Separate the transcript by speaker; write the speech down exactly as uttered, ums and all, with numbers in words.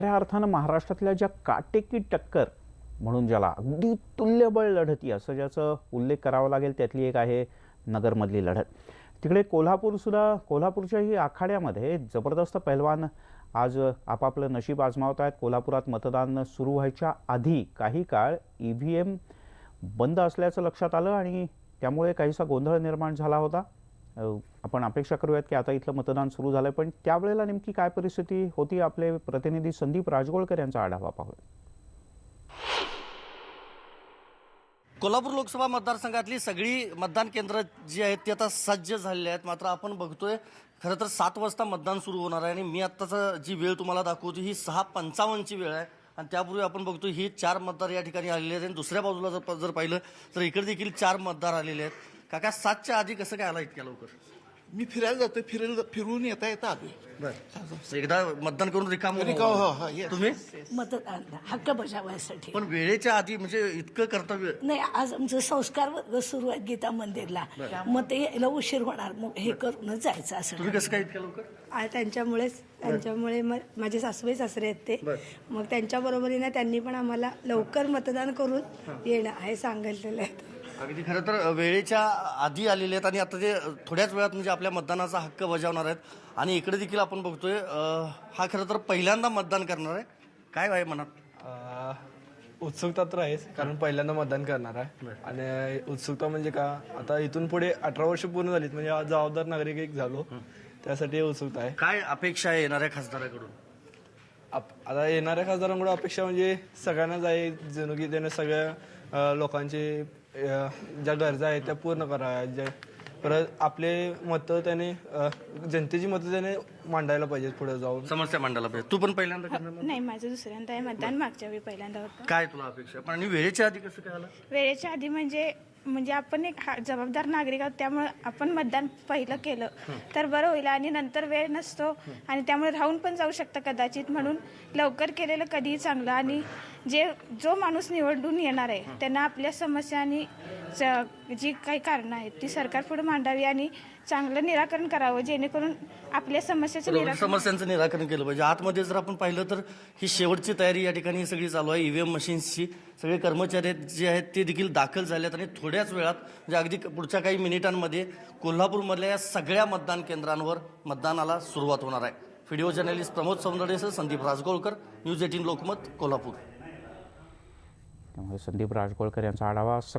Speaker 1: खऱ्या अर्थानं महाराष्ट्रातल्या ज्या काटेकी टक्कर म्हणून ज्याला अगदी तुल्यबळ लढती असं ज्याचं उल्लेख करावा लागेल त्यातली एक आहे नगरमधली लढत. तिकडे कोल्हापूरसुद्धा कोल्हापूरच्याही आखाड्यामध्ये जबरदस्त पैलवान आज आपापलं नशीब आजमावत आहेत. कोल्हापुरात मतदान सुरू व्हायच्या आधी काही काळ ई व्ही एम बंद असल्याचं लक्षात आलं आणि त्यामुळे काहीसा गोंधळ निर्माण झाला होता. आपण अपेक्षा करूयात की आता इथलं मतदान सुरू झालं, पण त्यावेळेला नेमकी काय परिस्थिती होती आपले प्रतिनिधी संदीप राजगोळकर यांचा आढावा पाहूया.
Speaker 2: कोल्हापूर लोकसभा मतदारसंघातली सगळी मतदान केंद्र जी आहेत ती आता सज्ज झालेली आहेत. मात्र आपण बघतोय खरं तर सात वाजता मतदान सुरू होणार आहे आणि मी आत्ताचा जी वेळ तुम्हाला दाखवतो ही सहा पंचावन्नची वेळ आहे आणि त्यापूर्वी आपण बघतो ही चार मतदार या ठिकाणी आलेले आहेत आणि दुसऱ्या बाजूला जर जर पाहिलं तर इकडे देखील चार मतदार आलेले आहेत. काका, सातच्या आधी कसं काय आला इतक्या लवकर?
Speaker 3: मी फिरायला जातोय, फिरायला फिरून येता येता आलोय.
Speaker 2: बरं, एकदा मतदान करून रिकाम
Speaker 3: रिकाम, हो, हो, yes.
Speaker 2: तुम्ही
Speaker 4: मतदान हक्क बजावण्यासाठी.
Speaker 2: पण वेळेच्या आधी म्हणजे इतकं कर्तव्य
Speaker 4: नाही, आज आमचं संस्कार वर्ग सुरू आहे गीता मंदिरला, मग ते यायला उशीर होणार, मग हे करूनच जायचं असं.
Speaker 2: तुम्ही कसं काय इतक्या लवकर?
Speaker 5: आ- त्यांच्यामुळेच त्यांच्यामुळे मग माझे सासूबाई सासरे आहेत ते, मग त्यांच्या बरोबरीने त्यांनी पण आम्हाला लवकर मतदान करून येणं हे सांगितलेलं आहे.
Speaker 2: अगदी खरं तर वेळेच्या आधी आलेले आहेत आणि आता ते थोड्याच वेळात म्हणजे आपल्या मतदानाचा हक्क बजावणार आहेत. आणि इकडे देखील आपण बघतोय अं, हा खरं तर पहिल्यांदा मतदान करणार आहे. काय आहे मनात?
Speaker 6: अ, उत्सुकता तर आहेच, कारण पहिल्यांदा मतदान करणार आहे. आणि उत्सुकता म्हणजे का, आता इथून पुढे अठरा वर्ष पूर्ण झालीत, म्हणजे आज जबाबदार नागरिक एक झालो, त्यासाठी उत्सुकता आहे.
Speaker 2: काय अपेक्षा आहे येणाऱ्या खासदाराकडून?
Speaker 6: आप- आता येणाऱ्या खासदारांकडून अपेक्षा म्हणजे सगळ्यांनाच आहे, जणू की त्याने सगळ्या अ, लोकांचे अ, ज्या गरजा आहेत त्या पूर्ण कराव्या. ज्या परत आपले मतं त्याने अ, जनतेची मतं त्याने मांडायला पाहिजेत पुढे जाऊन.
Speaker 2: समस्या मांडायला पाहिजे. तू पण पहिल्यांदा करणार मग?
Speaker 5: नाही, माझं दुसऱ्यांदा आहे मतदान, मागच्या वेळी पहिल्यांदा होतं.
Speaker 2: काय तुला अपेक्षा? पण आणि वेळेच्या आधी कसं काय आलं?
Speaker 5: वेळेच्या आधी म्हणजे म्हणजे आपण एक हा- जबाबदार नागरिक आहोत, त्यामुळे आपण मतदान पहिलं केलं तर बरं होईल. आणि नंतर वेळ नसतो आणि त्यामुळे राहून पण जाऊ शकतं कदाचित, म्हणून लवकर केलेलं कधीही चांगलं. आणि जे जो माणूस निवडून येणार आहे त्यांना आपल्या समस्या आणि ज- जी काही कारणं आहेत ती सरकार पुढे मांडावी आणि चांगलं निराकरण करावं, जेणेकरून आपल्या समस्याचं
Speaker 2: बरोबर,
Speaker 5: निराकरण.
Speaker 2: समस्यांचं निराकरण केलं पाहिजे. आतमध्ये जर आपण पाहिलं तर ही शेवटची तयारी या ठिकाणी सगळी चालू आहे. ईव्हीएम मशीन्सची सगळे कर्मचारी आहेत जे आहेत ते देखील दाखल झाले आहेत आणि थोड्याच वेळात म्हणजे अगदी पुढच्या काही मिनिटांमध्ये कोल्हापूरमधल्या या सगळ्या मतदान केंद्रांवर मतदानाला सुरुवात होणार आहे. व्हिडिओ जर्नलिस्ट प्रमोद सौंदर्यसह संदीप राजगोळकर, न्यूज एटीन लोकमत, कोल्हापूर.
Speaker 1: त्यामुळे संदीप राजगोळकर यांचा आढावा.